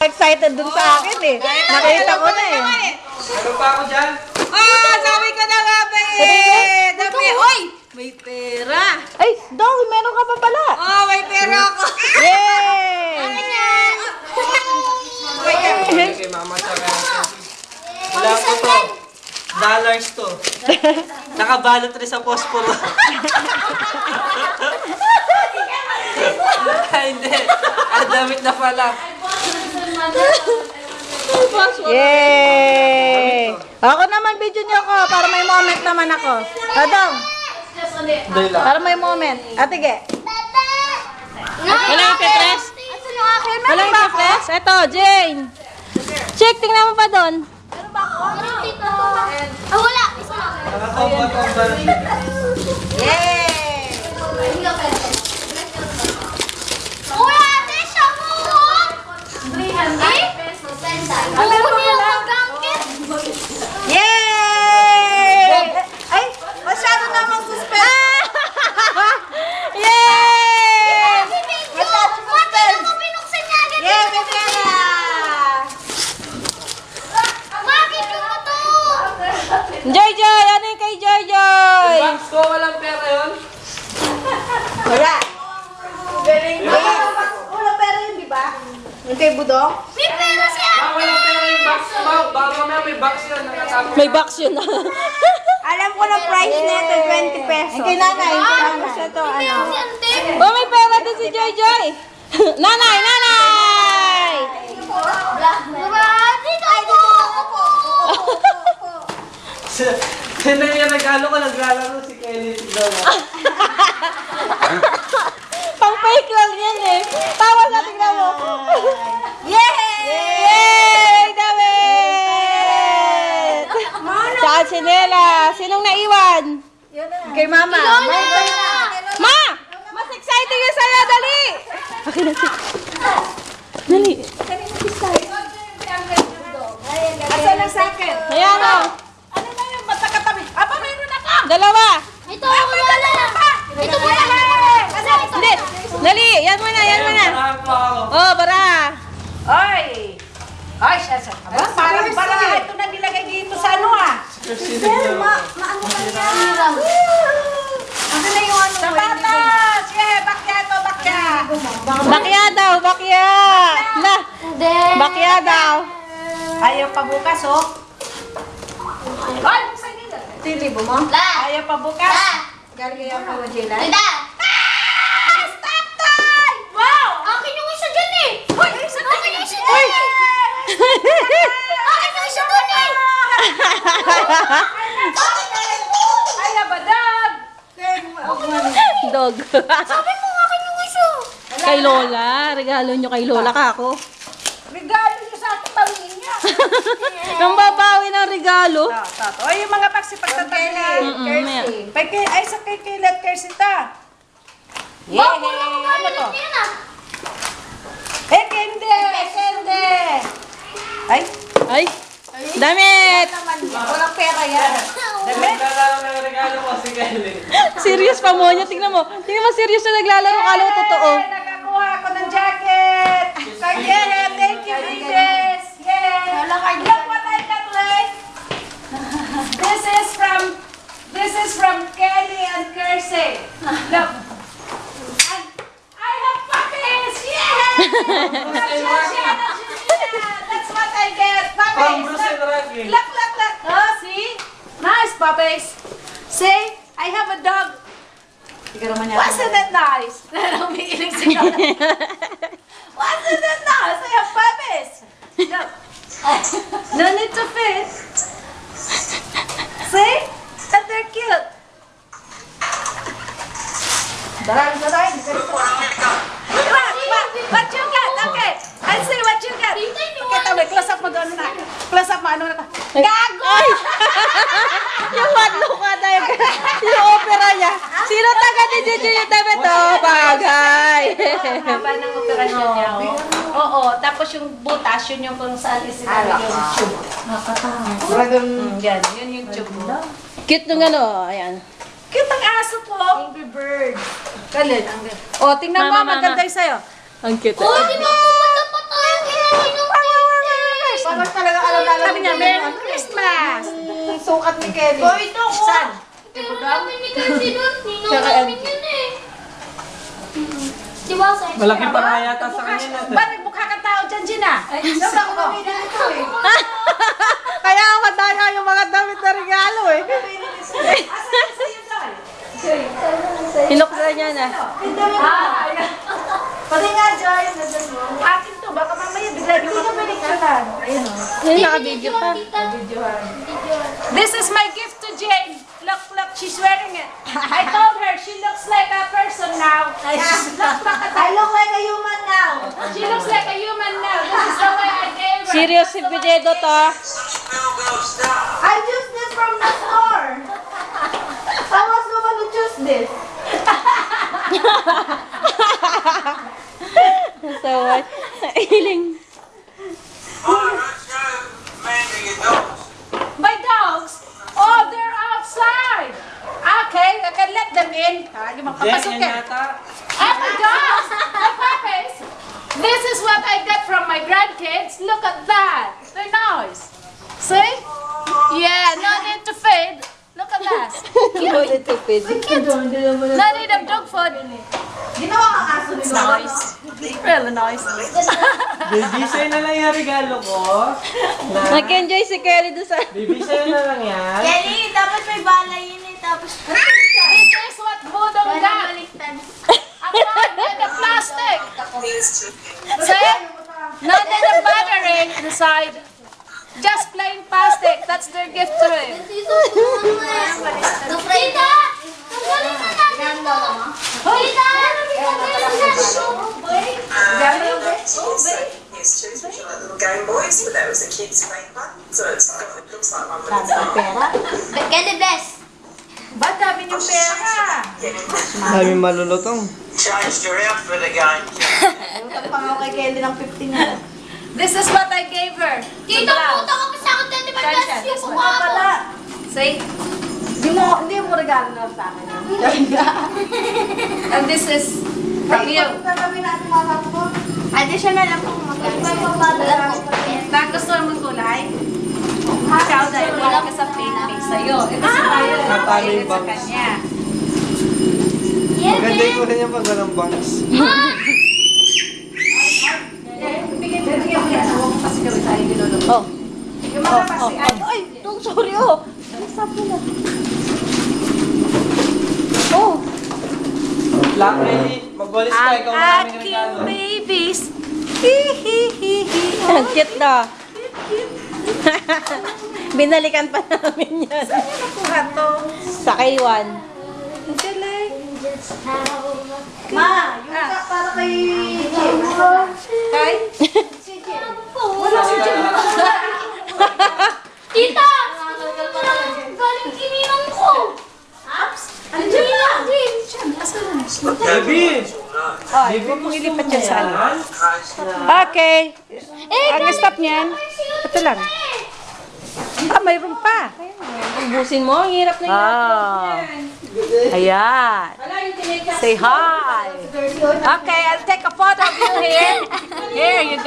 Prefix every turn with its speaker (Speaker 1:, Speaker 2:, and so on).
Speaker 1: Excited dun sa akin eh. Nakita ko na eh.
Speaker 2: Meron pa ako dyan.
Speaker 3: Sabi ko na nga ba eh. Dami. Hoy! May pera.
Speaker 1: Ay, Dong, meron ka pa pala.
Speaker 3: May pera ako.
Speaker 1: Yay!
Speaker 2: Kay mama sa wala ko to. Dollars to. Nakabalot rin sa posporo. Hindi. Damit na pala.
Speaker 1: Yay! Ako naman, video niyo ako para may moment naman ako. Dong, para may moment. Atige.
Speaker 4: Wala yung petres? Wala yung petres? Eto, Jane. Check, tingnan mo pa doon.
Speaker 5: Wala. Isa lang.
Speaker 2: Nakatomba-tomba na siya.
Speaker 3: Yay!
Speaker 5: Uy, ate, siya mo! 300 pesos. Alam mo niya mag-angkit.
Speaker 3: Yay! Ay, masyado namang suspend.
Speaker 4: Yay!
Speaker 3: Masyado suspend.
Speaker 5: Ako binuksan niya agad.
Speaker 3: Yay, may pera.
Speaker 5: Mabigyan mo to.
Speaker 4: Joy Joy! Ano yung kay Joy Joy?
Speaker 2: Box ko, walang pera yun.
Speaker 3: Wala. Galing mo. Wala pera yun, di ba? Yung kay Budong?
Speaker 5: May pera si ate.
Speaker 2: Walang pera yung box. Baka mamaya may box yun. Nakatapos.
Speaker 4: May box yun.
Speaker 3: Alam ko na price nito, 20 pesos. Kay nanay, tapos ito, ano?
Speaker 5: Si ante.
Speaker 4: Oh, may pera din si Joy Joy. Nanay! Nanay!
Speaker 5: Dito ako.
Speaker 2: Sino yung regalo ko? Naglalaro si Kelly. Si Lola.
Speaker 4: Pang fake lang yan eh. Tawa sa tingnan mo.
Speaker 3: Yay!
Speaker 4: Yay! Damit! Tsaka sinela. Sinong naiwan?
Speaker 1: Kay mama.
Speaker 4: Ma! Mas exciting yung sa'yo. Dali! Akin na si... Dali.
Speaker 3: Asan ang sa akin?
Speaker 4: Ayan o.
Speaker 3: Ano na yung matakatabi? Aba, mayroon ako!
Speaker 4: Dalawa.
Speaker 5: Ito ako wala. Ito mo na.
Speaker 4: Hindi. Dali. Yan mo na. Yan mo na.
Speaker 2: Marami pa ako.
Speaker 4: Oh, bara.
Speaker 3: Ay! Ay, siya. Parang ito na nilagay dito sa ano ah.
Speaker 5: Maano ka niya?
Speaker 3: Ano na yung ano? Sapatos! Yeah, bakya to, bakya!
Speaker 4: Bakya daw. Bakya. La.
Speaker 5: Hindi.
Speaker 4: Bakya daw.
Speaker 3: Ayaw pa bukas, oh. Ay, buksan nila.
Speaker 1: Tilibo mo?
Speaker 5: La.
Speaker 3: Ayaw pa bukas.
Speaker 5: La.
Speaker 1: Galing kayo pa wa Jela?
Speaker 5: Tita.
Speaker 3: Stop time! Wow!
Speaker 5: Akin yung isa dyan eh.
Speaker 3: Hoy!
Speaker 5: Akin yung isa dyan eh. Akin yung isa dyan eh.
Speaker 3: Ayaw ba, dog?
Speaker 4: Dog.
Speaker 5: Sabi mo akin yung isa.
Speaker 4: Kay Lola. Regalo nyo kay Lola ka ako.
Speaker 3: Regalo niyo sa ating bawiin niya.
Speaker 4: Nang babawi ng regalo.
Speaker 3: Tato. Ay, yung mga paksi pagtatabi.
Speaker 4: Maya.
Speaker 3: Ay, sa kay Kilat Kersita.
Speaker 5: Wow, wala ko
Speaker 3: Ano to?
Speaker 5: yan ah.
Speaker 3: Kende! Kende! Ay,
Speaker 4: Ay. Damit.
Speaker 3: walang pera yan.
Speaker 2: Naglalaro ng regalo ko si Kelly.
Speaker 4: Serious pa mo niya. Tingnan mo. Tingnan mo serious na naglalaro. Kala ko totoo.
Speaker 3: Nakakuha ako ng jacket. Kaya, thank you, Princess. Yay! Look what I got, Lay. This is from Kelly and Kersey. Look. And I have puppies. Yeah! That's what I get.
Speaker 2: Pang
Speaker 3: Puppies.
Speaker 2: Bruce and Rocky.
Speaker 3: Look. Oh, see? Nice puppies. See? I have a dog. Wasn't that nice? Umiiling si Lola. Wasn't that nice? I have puppies. Look. No need to feed. See? And they're cute. Darang. What you got? Okay. I see what you got. Okay, tabi. Close up mo doon na. Close up mo. Ano na? Gago!
Speaker 4: Ay! Yung madlo ka tayo. Yung opera niya. Sino taga ni Juju yung damit? Oh, bagay.
Speaker 3: Haba ng operasyon niya. Oo. Tapos yung butas, yun yung kung saan isinali yung tube. Yan. Yun yung tube mo.
Speaker 4: Cute nung ano. Ayan.
Speaker 3: Cute ang aso ko. Angry bird. Galit. O, tingnan mo.
Speaker 4: Mama,
Speaker 3: Maganda yung sa'yo.
Speaker 4: Ang cute.
Speaker 5: Oh, di ba pumunta pa tayo kay Ninong?
Speaker 1: Sabi niya, Merry Christmas! Sukat ni Kelly. Oh, ito ko. Saan?
Speaker 5: Meron namin ni Kasi doon. Ninong namin yun eh. Diba sa
Speaker 2: Malaki pa nga yata sa kanila.
Speaker 3: Ba't nagmukha kang tao dyan, Gina? Saan ako namili nito eh?
Speaker 1: Kaya ang madaya yung mga damit na regalo eh.
Speaker 3: Asan sa iyo, Joy?
Speaker 4: Hinuksan niya na.
Speaker 3: Ayan. Pati nga, Joy. Akin to. Baka mamaya bigla yung mga pinicturean. Ayun o.
Speaker 4: Yan, naka-video pa.
Speaker 3: This is my gift to Jane. Look, look, she's wearing it. I told her she looks like a person now. I look like a human now. She looks like a human now. This is the way I gave her.
Speaker 4: Serious si Pidedo to.
Speaker 1: I choose this from the store. I was the one who choose this.
Speaker 4: So, iling.
Speaker 3: My dogs? Oh, they're outside. Okay, I can let them in. Hindi
Speaker 2: Jen,
Speaker 3: magpapasok
Speaker 2: yan
Speaker 3: yan.
Speaker 2: yata.
Speaker 3: And my dogs, my puppies. This is what I got from my grandkids. Look at that. They're nice. See? Yeah, no need to feed. Look at that.
Speaker 4: Ulit tupid.
Speaker 3: No need of dog food.
Speaker 1: Ginawa kang aso ni
Speaker 3: It's nice. Really nice.
Speaker 2: Baby, sa'yo na lang yung regalo ko.
Speaker 4: Nag-enjoy si Kelly doon sa...
Speaker 2: Baby, sa'yo na lang yan.
Speaker 5: Kelly, dapat may balay yun eh. Tapos,
Speaker 3: This is what Budong got.
Speaker 5: baliktad.
Speaker 3: A pot and a plastic. See? No need of battery inside. Just plain plastic. That's their gift to him.
Speaker 5: Tita! Tita! Tanggalin mo natin to! Tita!
Speaker 6: Here's two which are like little Game Boys, but that was a kid's fake one. So it looks like one, but it's not.
Speaker 5: Kelly, bless!
Speaker 3: Ba't dami niyong pera?
Speaker 2: Dami malulutong.
Speaker 6: Changed your outfit again.
Speaker 1: Utang pa nga kay Kelly ng 50 niya.
Speaker 3: This is what I gave her.
Speaker 5: Tita, puta ka pa sa akin, Tita, bless yung mukha ko.
Speaker 3: See?
Speaker 1: Hindi mo regalo na sa akin.
Speaker 3: And this is from you.
Speaker 1: Sabi natin mga kapo.
Speaker 5: Additional lang po kung magkano.
Speaker 3: Bakit gusto mong kulay? Ikaw dahil wala ka sa pink sa'yo. Ito sa tayo.
Speaker 2: Natalo yung
Speaker 3: Sa
Speaker 2: bangs.
Speaker 3: kanya.
Speaker 2: Maganda yung kulay niya pag ganang bangs.
Speaker 3: Bigyan mo yan. Huwag mo kasi gawin tayo niloloko.
Speaker 4: Oh.
Speaker 3: Yung mga kasi,
Speaker 4: Ay, sorry oh. Nasap mo na. Oh.
Speaker 2: Black Kelly, magwalis ka. Ikaw na naming regalo.
Speaker 3: babies.
Speaker 4: Ang cute na. Binalikan pa namin yan.
Speaker 3: Nakuha to.
Speaker 4: Sa K1.
Speaker 3: Ang galing.
Speaker 1: Ma, yung para kay Jim.
Speaker 3: Kay?
Speaker 5: Wala si Jim. Tita! Galing kininang ko. Aps? Ano dyan?
Speaker 2: Baby!
Speaker 3: Ay, huwag mong ilipat yan sa ano. Okay. Ang stop niyan. Ito lang. Ah, mayroon pa.
Speaker 4: Ubusin mo, ang hirap na hirap.
Speaker 3: Ah. Ayan. Say hi. Okay, I'll take a photo of you here. Here you go.